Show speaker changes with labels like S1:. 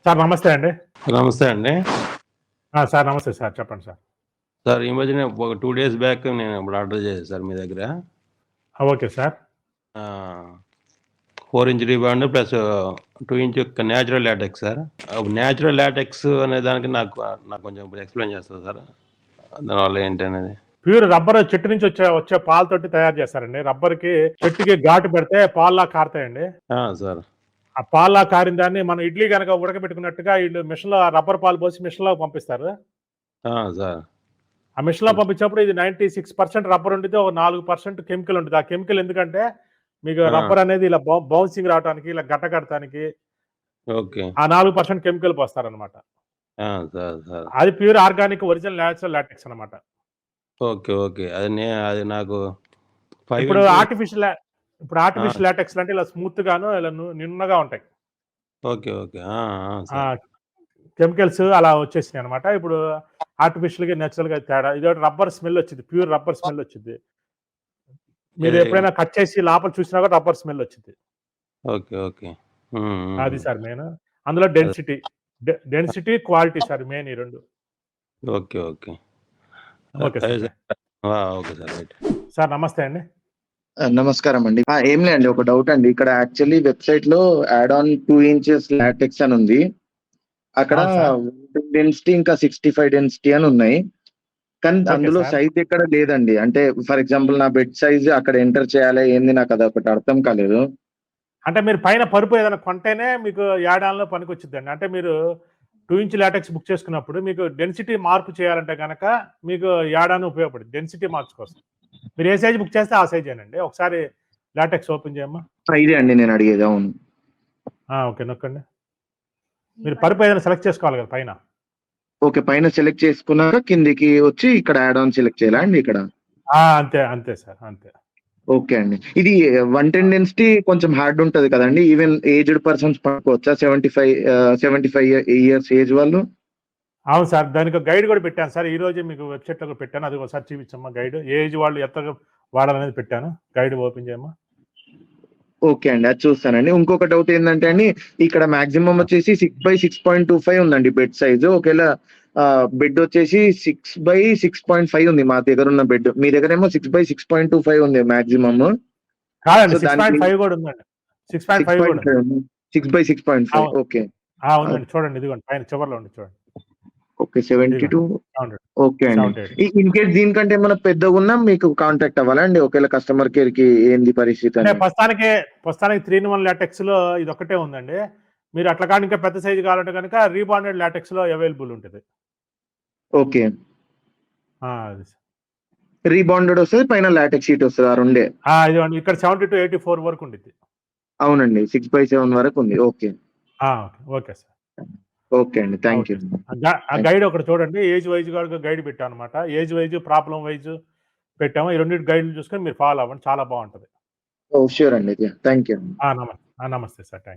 S1: Sir నమస్తే అండి.
S2: నమస్తే అండి.
S1: సార్ నమస్తే సార్. చెప్పండి సార్.
S2: సార్ ఈ మధ్యనే ఒక 2 డేస్ బ్యాక్ నేను ఇప్పుడు ఆర్డర్ చేశాను సార్ మీ దగ్గర.
S1: Okay sir.
S2: 4 inch rebond plus 2 inch natural latex sir. Natural latex అనే దానికి నాకు కొంచెం ఎక్స్‌ప్లెయిన్ చేస్తారా సార్? దానివల్ల ఏంటనేది?
S1: ప్యూర్ రబ్బర్ చెట్టు నుంచి వచ్చే పాలతోటి తయారు చేస్తారండి. రబ్బర్‌కి చెట్టుకి ఘాటు పెడితే పాల్లా కారుతాయండి.
S2: సార్.
S1: ఆ పాల్లా కారిన దాన్ని మనం ఇడ్లీ గనక ఉడకబెట్టుకున్నట్టుగా ఈళ్ళు మిషన్‌లో రబ్బర్ పాలు పోసి మిషన్‌లో పంపిస్తారు.
S2: సార్.
S1: ఆ మిషన్‌లో పంపించినప్పుడు ఇది 96% రబ్బర్ ఉండిద్ది. ఒక 4% కెమికల్ ఉండిద్ది. ఆ కెమికల్ ఎందుకంటే మీకు రబ్బర్ అనేది ఇలా బౌన్సింగ్ రావటానికి, ఇలా గడ్డ కడటానికి
S2: ఓకే.
S1: ఆ 4% కెమికల్ పోస్తారనమాట.
S2: సార్.
S1: అది pure organic original natural latex అనమాట.
S2: ఓకే. ఓకే. అది నాకు 5
S1: ఇప్పుడు
S2: ఇంచ్
S1: ఆర్టిఫిషియల్ లాటెక్స్ అంటే ఇలా స్మూత్ గాను, ఇలా నున్నగా ఉంటాయి.
S2: ఓకే. ఓకే. సార్.
S1: కెమికల్స్ అలా వచ్చేసినాయి అనమాట. ఇప్పుడు ఆర్టిఫిషియల్‌గా, నేచురల్‌గా తేడా. ఇదోటి రబ్బర్ స్మెల్ వచ్చిద్ది. ప్యూర్ రబ్బర్ స్మెల్ వచ్చిద్ది. మీరు ఎప్పుడైనా కట్ చేసి లోపల చూసినా కూడా రబ్బర్ స్మెల్ వచ్చిద్ది.
S2: ఓకే. ఓకే.
S1: అది సార్ మెయిన్. అందులో డెన్సిటీ, క్వాలిటీ సార్ మెయిన్ ఈ 2.
S2: Okay. Okay.
S1: Okay sir.
S2: Okay sir. Right.
S1: Sir నమస్తే అండి.
S3: నమస్కారం అండి. ఏం లేదండి, ఒక డౌట్ అండి. ఇక్కడ యాక్చువల్లీ వెబ్‌సైట్‌లో యాడ్ ఆన్ 2 ఇంచెస్ లాటెక్స్ అని ఉంది. అక్కడ
S1: అవును సార్.
S3: డెన్సిటీ ఇంకా 65 డెన్సిటీ అని ఉన్నాయి. కానీ
S1: ఓకే
S3: అందులో
S1: సార్.
S3: సైజ్ ఎక్కడ లేదండి. అంటే ఫర్ ఎగ్జాంపుల్ నా బెడ్ సైజ్ అక్కడ ఎంటర్ చేయాలి ఏంది, నాకు అదొకటి అర్థం కాలేదు.
S1: అంటే మీరు పైన పరుపు ఏదైనా కొంటేనే మీకు యాడ్ ఆన్‌లో పనికొచ్చిద్దండి. అంటే మీరు 2 ఇంచ్ లాటెక్స్ బుక్ చేసుకున్నప్పుడు మీకు డెన్సిటీ మార్పు చేయాలంటే గనక మీకు యాడ్ ఆన్ ఉపయోగపడుద్ది. డెన్సిటీ మార్క్స్ కోసం. మీరు ఏ సైజ్ బుక్ చేస్తే ఆ సైజేనండి. ఒకసారి లాటెక్స్ ఓపెన్ చేయమ్మా.
S3: ఇదే అండి నేను అడిగేది. అవును.
S1: ఓకే. నొక్కండి. మీరు పరుపు ఏదైనా సెలెక్ట్ చేసుకోవాలి కదా పైన.
S3: ఓకే. పైన సెలెక్ట్ చేసుకున్నాక కిందికి వచ్చి ఇక్కడ యాడ్ ఆన్ సెలెక్ట్ చేయాలా అండి ఇక్కడ?
S1: అంతే సార్. అంతే.
S3: ఓకే అండి. ఇది 110 డెన్సిటీ కొంచెం హార్డ్ ఉంటది కదండీ! ఈవెన్ ఏజ్డ్ పర్సన్స్ పడుకోవచ్చా? 75 ఇయర్స్ ఏజ్ వాళ్ళు?
S1: అవును సార్. దానికి గైడ్ కూడా పెట్టాను సార్. ఈరోజే మీకు వెబ్‌సైట్‌లో కూడా పెట్టాను. అది ఒకసారి చూపించమ్మా గైడ్. ఏ ఏజ్ వాళ్ళు ఎత్తగా వాడాలనేది పెట్టాను. గైడ్ ఓపెన్ చేయమ్మా.
S3: ఓకే అండి. అది చూస్తానండి. ఇంకొక డౌట్ ఏందంటే అండి, ఇక్కడ మాక్సిమం వచ్చేసి 6/6.25 ఉందండి బెడ్ సైజు. ఒకవేళ బెడ్ వచ్చేసి 6/6.5 ఉంది మా దగ్గరున్న బెడ్. మీ దగ్గరేమో 6/6.25 ఉంది మాక్సిమమ్.
S1: కాదండి,
S3: సో, దానికి
S1: 6.5 కూడా ఉందండి. 6.5 కూడా ఉంది.
S3: 6.5 6/6.5
S1: అవును.
S3: ఓకే.
S1: ఉందండి. చూడండి ఇదిగోండి పైన చివర్లో ఉంది చూడండి.
S3: ఓకే. 72
S1: 700
S3: ఓకే అండి.
S1: 78.
S3: ఇన్ కేస్ దీనికంటే ఏమన్నా పెద్దగున్నా మీకు కాంటాక్ట్ అవ్వాలా అండి? ఒకవేళ కస్టమర్ కేర్‌కి ఏంది పరిస్థితి
S1: అంటే
S3: అని?
S1: ప్రస్తుతానికి 3 ఇన్ 1 లాటెక్స్‌లో ఇదొక్కటే ఉందండి. మీరు అట్లా కాని ఇంకా పెద్ద సైజ్ కావాలంటే గనక రీబాండెడ్ లాటెక్స్‌లో అవైలబుల్ ఉంటది.
S3: ఓకే.
S1: అది సార్.
S3: రీబాండెడ్ వస్తది. పైన లాటెక్స్ షీట్ వస్తది. ఆ రెండే.
S1: ఇదిగోండి ఇక్కడ 70-84 వరకు ఉండిద్ది.
S3: అవునండి. 6/7 వరకు ఉంది. ఓకే.
S1: Okay sir.
S3: ఓకే అండి. Thank you.
S1: గైడ్ ఒకటి చూడండి. ఏజ్ వైస్‌గా గైడ్ పెట్టామన్నమాట. ఏజ్ వైస్, ప్రాబ్లమ్ వైస్ పెట్టాము. ఈ రెండిటి గైడ్‌లు చూసుకొని మీరు ఫాలో అవ్వండి. చాలా బావుంటది.
S3: ఓహ్! ష్యూర్ అండి. Thank you.
S1: నమస్తే సార్. థాంక్స్.